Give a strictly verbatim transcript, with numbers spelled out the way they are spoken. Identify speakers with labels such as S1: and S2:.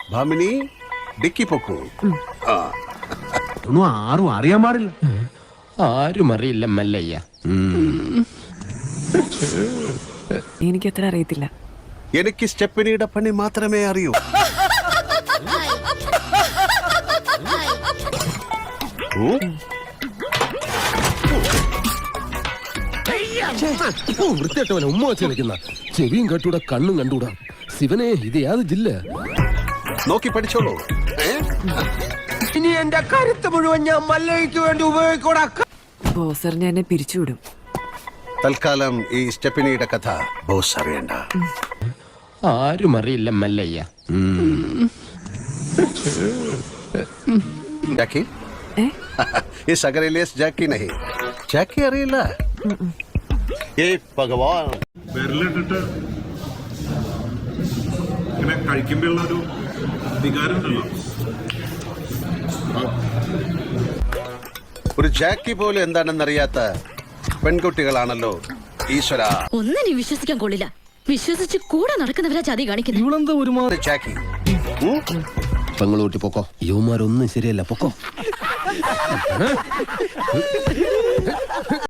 S1: Bhamini dicky പൊക്കൂ. ആ
S2: ഒന്നും ആരും അറിയാൻ പാടില്ല.
S3: ആരും അറിയില്ല മല്ലയ്യ.
S4: എനിക്ക് അത്ര അറിയത്തില്ല.
S1: എനിക്ക് സ്റ്റെപ്പനിയുടെ പണി മാത്രമേ അറിയൂ.
S3: വൃത്തിയായിട്ടവനെ ഉമ്മ വെച്ച് കളിക്കുന്ന ചെവിയും കെട്ടൂടാ കണ്ണും കണ്ടൂടാ. ശിവനെ ഇത് യാത് ജില്ല
S1: നോക്കി പഠിച്ചോളൂ.
S3: ഇനി എന്റെ കരുത്ത് മുഴുവൻ ഞാൻ മല്ലയ്ക്ക് വേണ്ടി ഉപയോഗിക്കൂടാ.
S4: ബോസറിനെ എന്നെ പിരിച്ചുവിടും.
S1: തൽക്കാലം ഈ സ്റ്റെപ്പനിയുടെ കഥ ബോസ് അറിയണ്ട.
S3: ആരും അറിയില്ല മല്ലയ്യ.
S1: ജാക്കി इस अगर इलियस जैकी नहीं जैकी അറിയില്ല. ഏ ഭഗവാൻ
S5: വിരലിട്ടിട്ട് ഇങ്ങനെ കഴിക്കുമ്പോഴുള്ള ഒരു വികാരം ഉണ്ടല്ലോ.
S1: ഒരു ജാക്കി പോലും എന്താണെന്നറിയാത്ത പെൺകുട്ടികളാണല്ലോ ഈശ്വര.
S6: ഒന്നിനെ വിശ്വസിക്കാൻ കൊള്ളില്ല. വിശ്വസിച്ച് കൂടെ നടക്കുന്നവരാ ചതി കാണിക്കുന്നത്.
S2: ഇവളെന്താ ഒരുമാതിരി
S1: ജാക്കി
S3: പെങ്ങളൂട്ടി പൊക്കോ. യുവമാരൊന്നും ശരിയല്ല, പൊക്കോ.